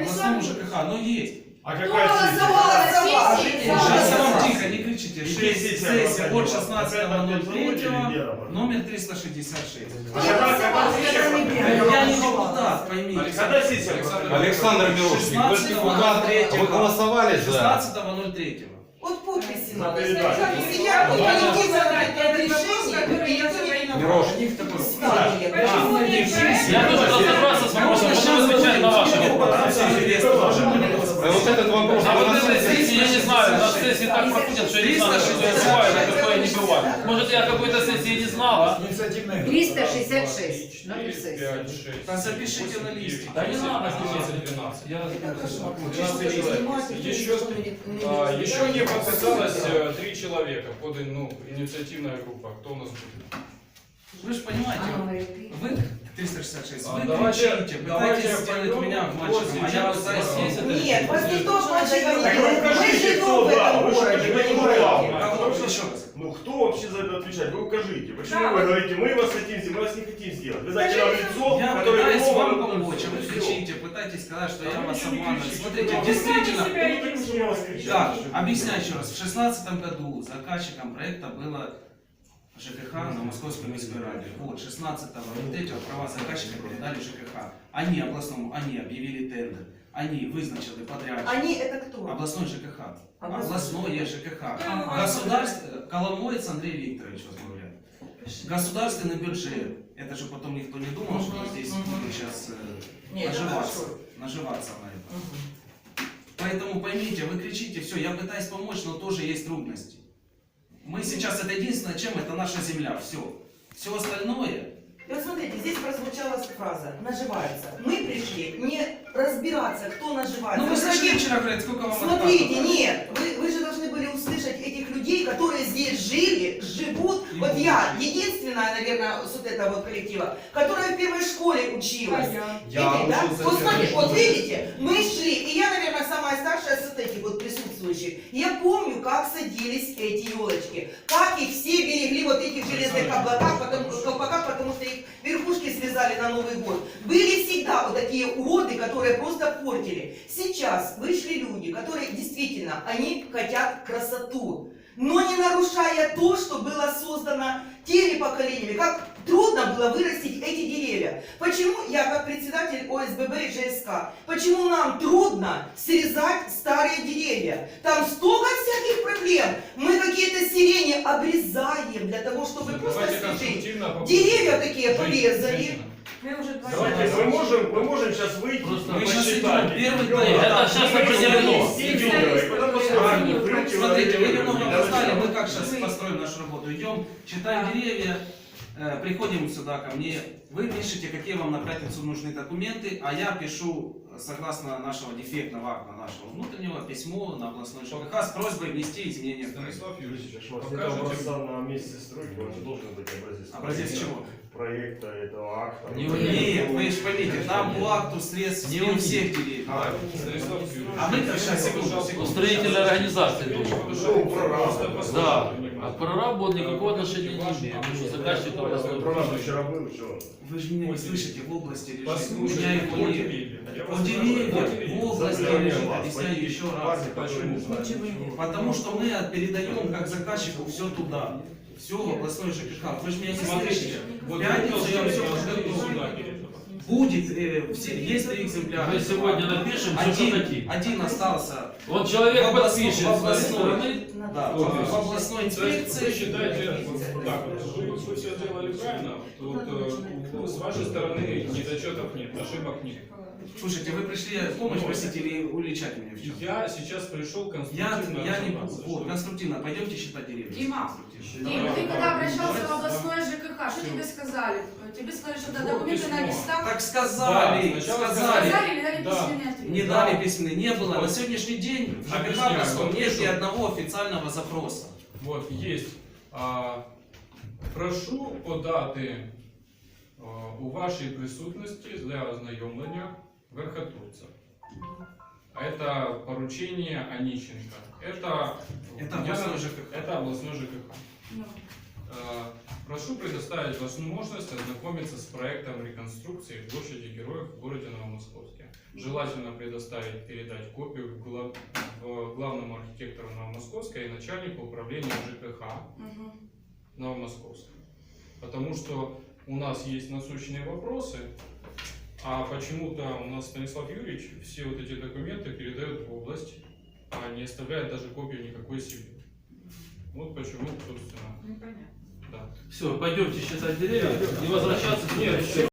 областному ЖКХ, оно есть. А Кто какая голосовал за вас? Сейчас я вам тихо, не кричите. Сессия 6 сессий от проходила. 16.03, номер 366. А Я не депутат, поймите. когда сессия проходила? Александр Мирошник, вы же депутат, вы голосовали за? 16.03. Вот подписи За надо. передачу. Если я буду идти за это решение, Мирошник. Я тоже разобрался с вопросом, потом отвечать на ваши вопросы. Вот этот вопрос. А вот этой сессии я не знаю, на сессии так проходят, что я не знаю, что я бывает, а какое не бывает. Может, я какой-то сессии не знала? 366. Номер сессии. 5, 6. Да запишите на листе. Да не надо записывать 12. Я Еще не подписалось 3 человека под инициативная группа. Кто у нас будет? Вы же понимаете, А номер ты? вы 366, А, вы давайте- кричите, давайте пытаетесь сделать пойдем меня мальчиком, а я пытаюсь есть это Нет, вас никто мальчика Так не вы Мы укажите, живем кто в да, этом вы же городе, не понимаете? главное. Кого? Потому что- Еще раз. Ну кто вообще за это отвечать? Вы укажите. Почему вы говорите, мы вас хотим сделать, мы вас не хотим сделать? Вы знаете нам лицо, Я которое пытаюсь виновно вам в этом помочь, а вы всем. кричите, пытаетесь сказать, что я вы вас ничего не обманываю. кричите, Смотрите, что вы действительно, Ну, так мы же на вас кричим. так, объясняю еще раз. В 2016 году заказчиком проекта было ЖКХ на Московской міськой раде. Вот, 16.03 права заказчика передали ЖКХ. Они областному, они объявили тендер. Они вызначили подрядчика. Они это кто? Областной ЖКХ. Областной. Областное ЖКХ. Ага. Государство, Коломоец Андрей Викторович возглавляет. Государственный бюджет. Это же потом никто не думал, что здесь будут сейчас Нет, наживаться на это. Поэтому поймите, вы кричите, все, я пытаюсь помочь, но тоже есть трудности. Мы сейчас, это единственное, чем это наша земля, все. Все остальное. И вот смотрите, здесь прозвучала фраза «наживается». Мы пришли не разбираться, кто наживается. Ну вы Мы слышали хотим- вчера, говорят, сколько вам Смотрите, отказывают? нет, вы же должны были услышать этих людей, которые здесь жили, живут. И Вот будут я, жить. единственная, наверное, с вот этого вот коллектива, которая в первой школе училась. Я Видите, да? учился Вот в смотрите, первой вот школе. видите, мы шли, и я, наверное, самая старшая с вот этих вот присутствующих. Я помню, как садились эти елочки, как их все берегли вот этих железных колпаках, потому что их верхушки связали на Новый год. Были всегда вот такие уроды, которые просто портили. Сейчас вышли люди, которые действительно, они хотят красоту, но не нарушая то, что было создано теми поколениями, как трудно было вырастить эти деревья. Почему я, как председатель ОСББ и ЖСК, почему нам трудно срезать старые деревья? Там столько всяких проблем. Мы какие-то сирени обрезаем для того, чтобы просто Давайте освежить. конструктивно попробуем. Деревья такие Жить, порезали. женщина. Давайте, мы можем сейчас выйти Просто и мы сейчас посчитать. идем, первый Идем, день. да. Это сейчас определено. И потом посмотрим. Смотрите, вы немного Давайте. опоздали, мы как сейчас построим нашу работу. Идем, читаем деревья, приходим сюда ко мне, вы пишете, какие вам на пятницу нужны документы, а я пишу, согласно нашего дефектного акта, нашего внутреннего, письмо на областной ЖКХ с просьбой внести изменения в проект. Станислав Юрьевич, Это образца на месте стройки, он же должен быть образец. Образец чего? Проекта этого акта. Не Нет, вы же поймите, там по акту средств Не у у всех деревьев. Станислав Юрьевич. А мы как сейчас, секунду. Устроительная организация должна. Ну, прораб. Да. А к проработу он никакого отношения не имеет. Потому что заказчик областной Прораб бюджет. вчера был, что? Вы же меня не слышите, в области лежит. У Послушайте, меня их по нет. деревьям. Я По вас деревьям спрашиваю, в области Заставляем лежит, вас объясняю пойти еще в раз. парк, который не знает. Потому что мы передаем как заказчику все туда. Все в областной ЖКХ. Вы же меня не слышите. В пятницу я все подготовлю. Будет, есть 3 экземпляра. Мы сегодня напишем все, что хотим. Один остался Вот человек в областной- подпишет в с своей областной- стороны. да, в областной То есть инспекции. вы считаете, вот так, вы все сделали правильно, вот с вашей стороны недочетов нет, ошибок нет. Слушайте, вы пришли помощь просить или уличать меня в чем? Я сейчас пришел Я конструктивно не разобраться, вот, что- конструктивно, пойдемте считать деревья. Дима, Конструктивно. Дим, ты когда обращался в областное ЖКХ, что тебе сказали? Тебе сказали, что да, документы на письмо. листах. Так сказали, Да, сначала сказали. Сказали или дали Да. письменный ответ? Не дали письменный, не было. На сегодняшний день в ЖКХ Объясняю, Москвы вот нет ни пишу. одного официального запроса. Вот, есть. Прошу подати у вашій присутності для ознайомлення верхотурця. Это поручение Онищенко. Это Это областной ЖКХ. Это областной ЖКХ. Ну. Прошу предоставить возможность ознакомиться с проектом реконструкции площади Героев в городе Новомосковске. Желательно предоставить, передать копию в главному архитектору Новомосковска и начальнику управления ЖКХ Новомосковска. Потому что у нас есть насущные вопросы, а почему-то у нас Станислав Юрьевич все вот эти документы передает в область, а не оставляет даже копию никакой себе. Вот почему, собственно. Непонятно. Да. Все, пойдемте считать деревья и возвращаться. Нет,